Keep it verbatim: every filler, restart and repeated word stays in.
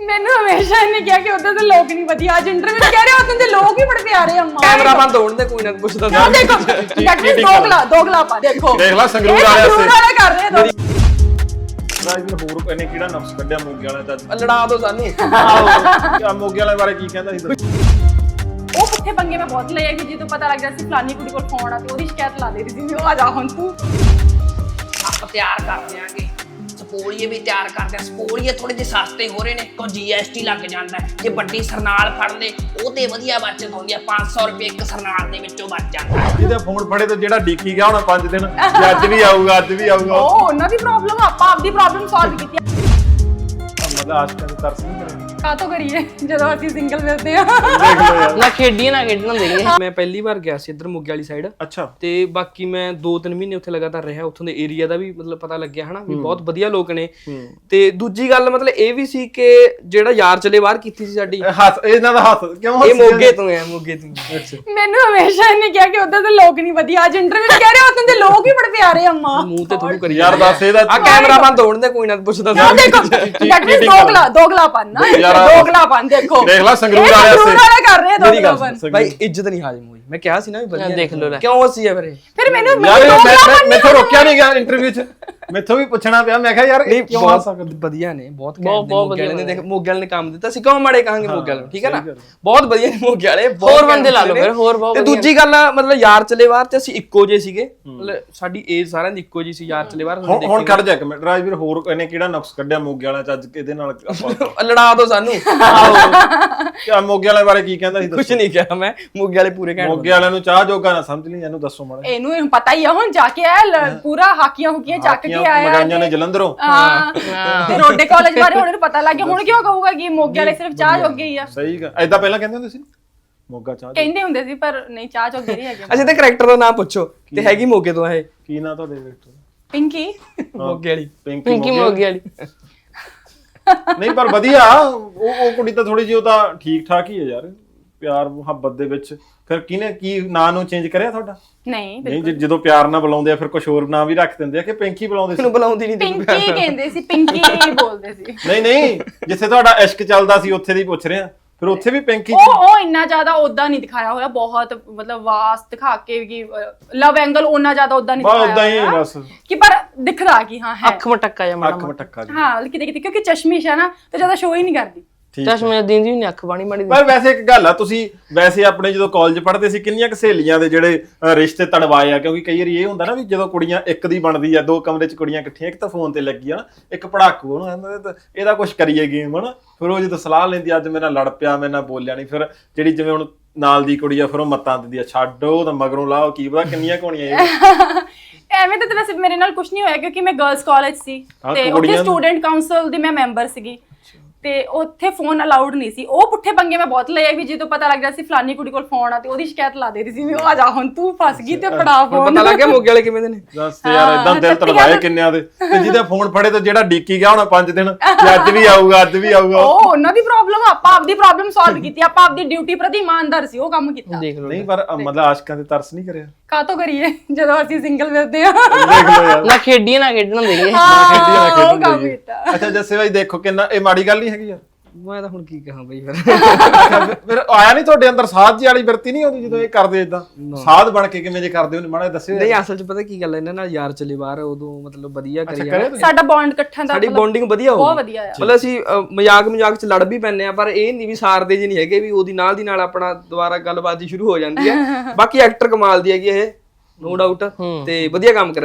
ਮੈਨੂੰ ਹਮੇਸ਼ਾ ਇਹਨੇ ਕਿਹਾ ਕਿ ਉਧਰ ਦੇ ਲੋਕ ਨਹੀਂ ਵਧੀਆ। ਅੱਜ ਇੰਟਰਵਿਊ ਕਹਿ ਰਹੇ ਉਧਰ ਦੇ ਲੋਕ ਹੀ ਬੜੇ ਪਿਆਰੇ ਅੰਮਾ। ਕੈਮਰਾ ਬੰਦ ਹੋਣ ਦੇ, ਕੋਈ ਨਾ ਪੁੱਛਦਾ ਕਿਉਂ ਦੇਖੋ ਡਾਕਟਰ ਦੋਗਲਾ ਦੋਗਲਾ ਪਾ ਦੇਖੋ ਦੇਖ ਲੈ ਸੰਗਰੂਰ ਇਹ ਵਾਲੇ ਸੰਗਰੂਰ ਵਾਲੇ ਕਰ ਰਹੇ ਦੋ ਰਾਜਵੀਰ ਹੋਰ ਇਹਨੇ ਕਿਹੜਾ ਨਫਸ ਕੱਢਿਆ ਮੋਗੇ ਵਾਲਿਆਂ ਦਾ? ਲੜਾ ਦੋ ਸਾਨੂੰ। ਆਹੋ ਮੋਗੇ ਵਾਲਿਆਂ ਬਾਰੇ ਕੀ ਕਹਿੰਦਾ ਸੀ? ਉਹ ਪੁੱਠੇ ਪੰਗੇ ਮੈਂ ਬਹੁਤ ਲਏ ਕਿ ਜਦੋਂ ਪਤਾ ਲੱਗ ਗਿਆ ਸੀ ਫਲਾਨੀ ਕੁੜੀ ਕੋਲ ਫੋਨ ਆ ਤੇ ਉਹਦੀ ਸ਼ਿਕਾਇਤ ਲਾ ਦੇ ਰਹੀ ਸੀ। ਉਹ ਆ ਜਾ ਹੁਣ ਤੂੰ ਆਪਾਂ ਤਿਆਰ ਕਰ ਦਿਆਂਗੇ। ਸਪੋਲੀਏ ਵੀ ਤਿਆਰ ਕਰਦੇ ਆ। ਸਪੋਲੀਏ ਥੋੜੇ ਜਿਹੇ ਸਸਤੇ ਹੋ ਰਹੇ ਨੇ, ਕੋ ਜੀਐਸਟੀ ਲੱਗ ਜਾਂਦਾ। ਜੇ ਵੱਡੀ ਸਰਨਾਲ ਫੜ ਲੇ ਉਹ ਤੇ ਵਧੀਆ ਬਚਤ ਹੁੰਦੀ ਆ। ਪੰਜ ਸੌ ਰੁਪਏ ਇੱਕ ਸਰਨਾਲ ਦੇ ਵਿੱਚੋਂ ਬਚ ਜਾਂਦਾ। ਜਿਹਦਾ ਫੋਨ ਫੜੇ ਤੇ ਜਿਹੜਾ ਡੀਕੀ ਗਿਆ ਹੁਣ ਪੰਜ ਦਿਨ ਅੱਜ ਵੀ ਆਊਗਾ ਅੱਜ ਵੀ ਆਊਗਾ। ਉਹ ਉਹਨਾਂ ਦੀ ਪ੍ਰੋਬਲਮ ਆਪਾਂ ਆਪਦੀ ਪ੍ਰੋਬਲਮ ਸੋਲਵ ਕੀਤੀ ਮਤਲਬ ਆਸ਼ਕਾਂ ਦੇ ਤਰਸ ਨਹੀਂ ਕਰੇ। ਕਾਤੋਂ ਕਰੀਏ ਜਦੋਂ ਅਸੀਂ ਸਿੰਗਲ ਮਿਲਦੇ ਆ। ਦੇਖ ਲਓ ਯਾਰ। ਨਾ ਖੇਡੀਏ ਨਾ ਖੇਡਣ ਦੇਈਏ। ਮੈਂ ਪਹਿਲੀ ਵਾਰ ਗਿਆ ਸੀ ਇੱਧਰ ਮੋਗੇ ਵਾਲੀ ਸਾਈਡ। ਅੱਛਾ। ਤੇ ਬਾਕੀ ਮੈਂ ਦੋ ਤਿੰਨ ਮਹੀਨੇ ਉੱਥੇ ਲਗਾਤਾਰ ਰਿਹਾ। ਉੱਥੋਂ ਦੇ ਏਰੀਆ ਦਾ ਵੀ ਮਤਲਬ ਪਤਾ ਲੱਗਿਆ ਹਨਾ ਵੀ ਬਹੁਤ ਵਧੀਆ ਲੋਕ ਨੇ। ਤੇ ਦੂਜੀ ਗੱਲ ਮਤਲਬ ਇਹ ਵੀ ਸੀ ਕਿ ਜਿਹੜਾ ਯਾਰ ਚਲੇ ਬਾਹਰ ਕੀਤੀ ਸੀ ਸਾਡੀ, ਹੱਸ ਇਹਨਾਂ ਦਾ ਹੱਸ ਕਿਉਂ? ਇਹ ਮੋਗੇ ਤੋਂ ਹੈ। ਮੋਗੇ ਤੋਂ। ਅੱਛਾ। ਮੈਨੂੰ ਹਮੇਸ਼ਾ ਇਹਨੇ ਕਿਹਾ ਕਿ ਉਧਰ ਦੇ ਲੋਕ ਨਹੀਂ ਵਧੀਆ। ਅੱਜ ਇੰਟਰਵਿਊ ਕਹਿ ਰਹੇ ਉਧਰ ਦੇ ਲੋਕ ਹੀ ਬੜੇ ਪਿਆਰੇ ਅੰਮਾ। ਮੂੰਹ ਤੇ ਥੋੜੂ ਕਰੀ ਯਾਰ ਦੱਸ ਇਹਦਾ ਆ ਕੈਮਰਾ ਬੰਦ ਹੋਣ ਦੇ, ਕੋਈ ਨਾ ਪੁੱਛਦਾ ਕਿਉਂ ਦੇਖੋ ਡਾਕਟਰ ਦੋਗਲਾ ਦੋਗਲਾ ਪਾਣਾ ਦੋਗਲਾ ਪਾਣ ਦੇਖੋ ਦੇਖ ਲੈ ਸੰਗਰੂਰ ਇਹ ਵਾਲੇ ਸੰਗਰੂਰ ਵਾਲੇ ਕਰ ਰਹੇ ਮੇਰੀ ਦੋਗਲਾ ਗੱਲ ਪਾਣ। ਭਾਈ ਇੱਜ਼ਤ ਨਹੀਂ ਹਾਜ਼ਮ ਹੋਈ। ਮੈਂ ਕਿਹਾ ਸੀ ਨਾ ਵੀ ਵਧੀਆ ਦੇਖ ਲਓ ਲੈ। ਕਿਉਂ ਹੱਸੀ ਆ ਫਿਰ ਇਹ? ਫਿਰ ਮੈਨੂੰ ਯਾਰ ਦੋਗਲਾ ਮੈਂ ਪਾਣ ਮੈਥੋਂ ਰੋਕਿਆ ਨਹੀਂ ਗਿਆ ਇੰਟਰਵਿਊ 'ਚ। ਮੈਥੋਂ ਵੀ ਪੁੱਛਣਾ ਪਿਆ। ਮੈਂ ਕਿਹਾ ਯਾਰ ਇਹ ਕਿਉਂ ਹੱਸ ਸਕਦੇ? ਵਧੀਆ ਨੇ ਬਹੁਤ। ਬਹੁਤ ਬਹੁਤ ਵਧੀਆ ਨੇ। ਦੇਖ ਮੋਗੇ ਵਾਲੇ ਨੇ ਕੰਮ ਦਿੱਤਾ ਸੀ, ਕਿਉਂ ਮਾੜੇ ਕਹਾਂਗੇ ਮੋਗੇ ਵਾਲੇ ਨੂੰ? ਠੀਕ ਹੈ ਨਾ, ਸਹੀ ਗੱਲ। ਬਹੁਤ ਵਧੀਆ ਨੇ ਮੋਗੇ ਵਾਲੇ। ਹੋਰ ਬੰਦੇ ਲਾ ਲਓ ਫਿਰ, ਹੋਰ ਬਹੁਤ ਤੇ ਵਧੀਆ। ਦੂਜੀ ਗੱਲ ਮਤਲਬ ਯਾਰ ਚਲੇ ਬਾਹਰ ਤੇ ਅਸੀਂ ਇੱਕੋ ਜਿਹੇ ਸੀਗੇ। ਮਤਲਬ ਸਾਡੀ ਏਜ ਸਾਰਿਆਂ ਦੀ ਇੱਕੋ ਜਿਹੀ ਸੀ। ਯਾਰ ਚਲੇ ਬਾਹਰ ਹੁਣ ਹੁਣ ਖੜ ਜਾ ਇੱਕ ਮਿੰਟ। ਰਾਜਵੀਰ ਹੋਰ ਇਹਨੇ ਕਿਹੜਾ ਨਫਸ ਕੱਢਿਆ ਮੋਗੇ ਵਾਲਿਆਂ 'ਚ ਅੱਜ ਇਹਦੇ ਨਾਲ ਆਪਾਂ? ਲੜਾ ਦੋ ਸਾਨੂੰ। ਕਿਆ ਮੋਗੇ ਵਾਲਿਆਂ ਬਾਰੇ ਕੀ ਕਹਿੰਦਾ ਸੀ? ਕੁਝ ਨਹੀਂ ਕਿਹਾ ਮੈਂ। ਮੋਗੇ ਵਾਲੇ ਪੂਰੇ ਘੈਂਟ। ਮੋਗੇ ਵਾਲਿਆਂ ਨੂੰ ਚਾਹ ਜੋਗਾ ਨਾ ਸਮਝ ਲਈ। ਇਹਨੂੰ ਦੱਸੋ ਮਾੜਾ। ਇਹਨੂੰ ਪਤਾ ਹੀ ਆ ਹੁਣ ਜਾ ਕੇ ਆਇਆ ਪੂਰਾ ਹਾਕੀਆਂ ਹੁਕੀਆਂ ਚੱਕ ਕੇ ਆਇਆ ਮਗਾਈਆਂ ਨੇ ਜਲੰਧਰੋਂ। ਹਾਂ ਤੇ ਰੋਡੇ ਕਾਲਜ ਬਾਰੇ ਹੁਣ ਪਤਾ ਲੱਗ ਗਿਆ। ਹੁਣ ਕਿਉਂ ਕਹੂਗਾ ਕਿ ਮੋਗੇ ਵਾਲੇ ਸਿਰਫ ਚਾਹ ਜੋਗੇ ਹੀ ਆ? ਸਹੀ ਗੱਲ। ਐਦਾਂ ਪਹਿਲਾਂ ਕਹਿੰਦੇ ਹੁੰਦੇ ਸੀ ਮੋਗਾ ਚਾਹ। ਕਹਿੰਦੇ ਹੁੰਦੇ ਸੀ ਪਰ ਨਹੀਂ ਚਾਹ ਜੋਗੇ ਨਹੀਂ ਹੈਗੇ। ਅੱਛਾ ਤੇ ਕਰੈਕਟਰ ਦਾ ਨਾਮ ਪੁੱਛੋ ਤੇ ਹੈਗੀ ਮੋਗੇ ਤੋਂ ਇਹ ਕੀ ਨਾਂ ਤੁਹਾਡੇ ਡਾਇਰੈਕਟਰ? ਪਿੰਕੀ ਮੋਗੇ ਵਾਲੀ। ਪਿੰਕੀ ਮੋਗੇ ਵਾਲੀ। ਨਹੀਂ ਪਰ ਵਧੀਆ। ਉਹ ਉਹ ਕੁੜੀ ਤਾਂ ਥੋੜੀ ਜਿਹੀ ਉਹ ਤਾਂ ਠੀਕ ਠਾਕ ਹੀ ਹੈ ਯਾਰ। ਪਿਆਰ ਮੁਹੱਬਤ ਦੇ ਵਿੱਚ ਫਿਰ ਕਿਹਨੇ ਕੀ ਨਾਂ ਨੂੰ ਚੇਂਜ ਕਰਿਆ ਤੁਹਾਡਾ? ਨਹੀਂ ਨਹੀਂ ਜਦੋਂ ਪਿਆਰ ਨਾਲ ਬੁਲਾਉਂਦੇ ਆ ਫਿਰ ਕੁਝ ਹੋਰ ਨਾਂ ਵੀ ਰੱਖ ਦਿੰਦੇ ਆ ਕਿ ਪਿੰਕੀ ਬੁਲਾਉਂਦੇ ਸੀ? ਮੈਨੂੰ ਬੁਲਾਉਂਦੀ ਨਹੀਂ। ਪਿੰਕੀ ਕਹਿੰਦੇ ਸੀ, ਪਿੰਕੀ ਬੋਲਦੇ ਸੀ। ਨਹੀਂ ਨਹੀਂ ਜਿੱਥੇ ਤੁਹਾਡਾ ਇਸ਼ਕ ਚੱਲਦਾ ਸੀ ਉੱਥੇ ਦੀ ਪੁੱਛ ਰਿਹਾ। ਫਿਰ ਉੱਥੇ ਵੀ ਪਿੰਕੀ ਉਹ ਉਹ ਇੰਨਾ ਜ਼ਿਆਦਾ ਉਦਾਂ ਨਹੀਂ ਦਿਖਾਇਆ ਹੋਇਆ। ਬਹੁਤ ਮਤਲਬ ਵਾਸਤ ਦਿਖਾ ਕੇ ਕਿ ਲਵ ਐਂਗਲ ਉਹਨਾਂ ਜ਼ਿਆਦਾ ਉਦਾਂ ਨਹੀਂ ਦਿਖਾਇਆ ਉਦਾਂ ਹੀ ਬਸ ਕਿ ਪਰ ਦਿਖਦਾ ਕਿ ਹਾਂ ਹੈ ਅੱਖ ਮਟਕਾ ਜਾ ਮਾੜਾ ਅੱਖ ਮਟੱਕਾ ਜੀ। ਹਾਂ ਕਿਤੇ ਕਿਤੇ ਕਿਉਂਕਿ ਚਸ਼ਮੀਸ਼ ਹੈ ਨਾ ਤੇ ਜ਼ਿਆਦਾ ਸ਼ੋ ਹੀ ਨਹੀਂ ਕਰਦੀ। ਠੀਕ ਚਸ਼ਮੇ ਦੀ ਦੀ ਨਹੀਂ ਅੱਖ ਬਾਣੀ ਮਾੜੀ। ਪਰ ਵੈਸੇ ਇੱਕ ਗੱਲ ਆ, ਤੁਸੀਂ ਵੈਸੇ ਆਪਣੇ ਜਦੋਂ ਕਾਲਜ ਪੜ੍ਹਦੇ ਸੀ ਕਿੰਨੀਆਂ ਕੁ ਸਹੇਲੀਆਂ ਦੇ ਜਿਹੜੇ ਅ, ਰਿਸ਼ਤੇ ਤੜਵਾਏ ਆ? ਕਿਉਂਕਿ ਕਈ ਵਾਰੀ ਇਹ ਹੁੰਦਾ ਨਾ ਵੀ ਜਦੋਂ ਕੁੜੀਆਂ ਇੱਕ ਦੀ ਬਣਦੀ ਆ, ਦੋ ਕਮਰੇ 'ਚ ਕੁੜੀਆਂ ਇਕੱਠੀਆਂ, ਇੱਕ ਤਾਂ ਫੋਨ ਤੇ ਲੱਗੀ ਆ ਨਾ, ਇੱਕ ਪੜਾਕੂ ਉਹਨੂੰ ਕਹਿੰਦਾ ਇਹਦਾ ਕੁਝ ਕਰੀਏ ਗੇਮ ਹਨਾ। ਫਿਰ ਉਹ ਜਦੋਂ ਸਲਾਹ ਲੈਂਦੀ ਅੱਜ ਮੇਰੇ ਨਾਲ ਲੜ ਪਿਆ, ਮੇਰੇ ਨਾਲ ਬੋਲਿਆ ਨਹੀਂ, ਫਿਰ ਜਿਹੜੀ ਜਿਵੇਂ ਹੁਣ ਨਾਲ ਦੀ ਕੁੜੀ ਆ ਫਿਰ ਉਹ ਮੱਤਾਂ ਦਿੰਦੀ ਆ ਛੱਡ ਉਹ ਤਾਂ ਮਗਰੋਂ ਲਾਓ ਕੀ ਪਤਾ ਕਿੰਨੀਆਂ ਕੋਣੀਆਂ ਇਹ। ਐਵੇਂ ਤਾਂ ਵੈਸੇ ਮੇਰੇ ਨਾਲ ਕੁਝ ਨਹੀਂ ਹੋਇਆ ਕਿਉਂਕਿ ਮੈਂ ਗਰਲਸ ਕਾਲਜ ਸੀ ਤੇ ਉੱਥੇ ਸਟੂਡੈਂਟ ਕਾਉਂਸਲ ਦੀ ਮੈਂ ਮੈਂਬਰ ਸੀਗੀ ਤੇ ਉੱਥੇ ਫੋਨ ਅਲਾਉਡ ਨਹੀਂ ਸੀ। ਉਹ ਪੁੱਠੇ ਪੰਗੇ ਮੈਂ ਬਹੁਤ ਲਏ ਵੀ ਜਦੋਂ ਪਤਾ ਲੱਗ ਗਿਆ ਸੀ ਫਲਾਨੀ ਕੁੜੀ ਕੋਲ ਫੋਨ ਆ ਤੇ ਉਹਦੀ ਸ਼ਿਕਾਇਤ ਲਾ ਦੇ ਰਹੀ ਸੀ। ਉਹ ਆ ਜਾ ਹੁਣ ਤੂੰ ਫਸ ਗਈ ਤੇ ਫੜਾ ਫੋਨ। ਪਤਾ ਲੱਗ ਗਿਆ ਮੋਗੇ ਵਾਲੇ ਕਿਵੇਂ ਦੇ ਨੇ। ਦੱਸ ਯਾਰ ਇਦਾਂ ਦਿਲ ਤੜਵਾਏ ਕਿੰਨਿਆਂ ਦੇ। ਤੇ ਜਿਹਦਾ ਫੋਨ ਫੜੇ ਤੇ ਜਿਹੜਾ ਡੀਕੀ ਗਿਆ ਹੁਣ ਪੰਜ ਦਿਨ ਅੱਜ ਵੀ ਆਊਗਾ ਅੱਜ ਵੀ ਆਊਗਾ। ਉਹ ਉਹਨਾਂ ਦੀ ਪ੍ਰੋਬਲਮ ਆਪਾਂ ਆਪਦੀ ਪ੍ਰੋਬਲਮ ਸੋਲਵ ਕੀਤੀ। ਆਪਾਂ ਆਪਦੀ ਡਿਊਟੀ ਪ੍ਰਤੀ ਇਮਾਨਦਾਰ ਸੀ। ਉਹ ਕੰਮ ਕੀਤਾ। ਦੇਖ ਲਓ ਨਹੀਂ ਪਰ ਮਤਲਬ ਆਸ਼ਕਾਂ ਦੇ ਤਰਸ ਨਹੀਂ ਕਰਿਆ? ਕਾਤੋਂ ਕਰੀਏ ਜਦੋਂ ਅਸੀਂ ਸਿੰਗਲ ਮਿਲਦੇ ਆ। ਦੇਖ ਲਓ ਯਾਰ। ਨਾ ਖੇਡੀਏ ਨਾ ਖੇਡਣ ਦੇਈਏ। ਹਾਂ ਉਹ ਕੰਮ ਕੀਤਾ। ਅੱਛਾ ਜੱਸੇ ਭਾਈ ਦੇਖੋ ਕਿੰਨਾ ਇਹ ਮਾੜੀ ਗੱਲ ਨਹੀਂ ਹੈਗੀ ਯਾਰ। ਮੈਂ ਤਾਂ ਹੁਣ ਕੀ ਕਹਾਂ ਬਈ ਫਿਰ। ਫਿਰ ਆਇਆ ਨਹੀਂ ਤੁਹਾਡੇ ਅੰਦਰ ਸਾਧ ਜੀ ਵਾਲੀ ਵਰਤੀ ਨਹੀਂ ਆਉਂਦੀ ਜਦੋਂ ਇਹ ਕਰਦੇ ਇਦਾਂ? ਸਾਧ ਬਣ ਕੇ ਕਿਵੇਂ ਜੇ ਕਰਦੇ ਹੋ ਮਾੜਾ ਦੱਸਿਓ। ਨਹੀਂ ਅਸਲ 'ਚ ਪਤਾ ਕੀ ਗੱਲ ਹੈ, ਇਹਨਾਂ ਨਾਲ ਯਾਰ ਚਲੇ ਬਾਹਰ ਉਦੋਂ ਮਤਲਬ ਵਧੀਆ ਕਰੀ ਕਰਿਆ ਸਾਡਾ ਬੌਂਡ ਇਕੱਠਾ ਦਾ ਸਾਡੀ ਬੌਂਡਿੰਗ ਵਧੀਆ ਹੋ ਬਹੁਤ ਵਧੀਆ ਆ। ਮਤਲਬ ਅਸੀਂ ਮਜ਼ਾਕ ਮਜ਼ਾਕ 'ਚ ਲੜ ਵੀ ਪੈਂਦੇ ਆ ਪਰ ਇਹ ਨਹੀਂ ਵੀ ਸਾਰਦੇ ਜੀ ਨਹੀਂ ਹੈਗੇ ਵੀ ਉਹਦੀ ਨਾਲ ਦੀ ਨਾਲ ਆਪਣਾ ਦੁਬਾਰਾ ਗੱਲਬਾਤ ਸ਼ੁਰੂ ਹੋ ਜਾਂਦੀ ਹੈ। ਬਾਕੀ ਐਕਟਰ ਕਮਾਲ ਦੀ ਹੈਗੀ ਇਹ, ਨੋ ਡਾਊਟ, ਤੇ ਵਧੀਆ ਕੰਮ ਕਰ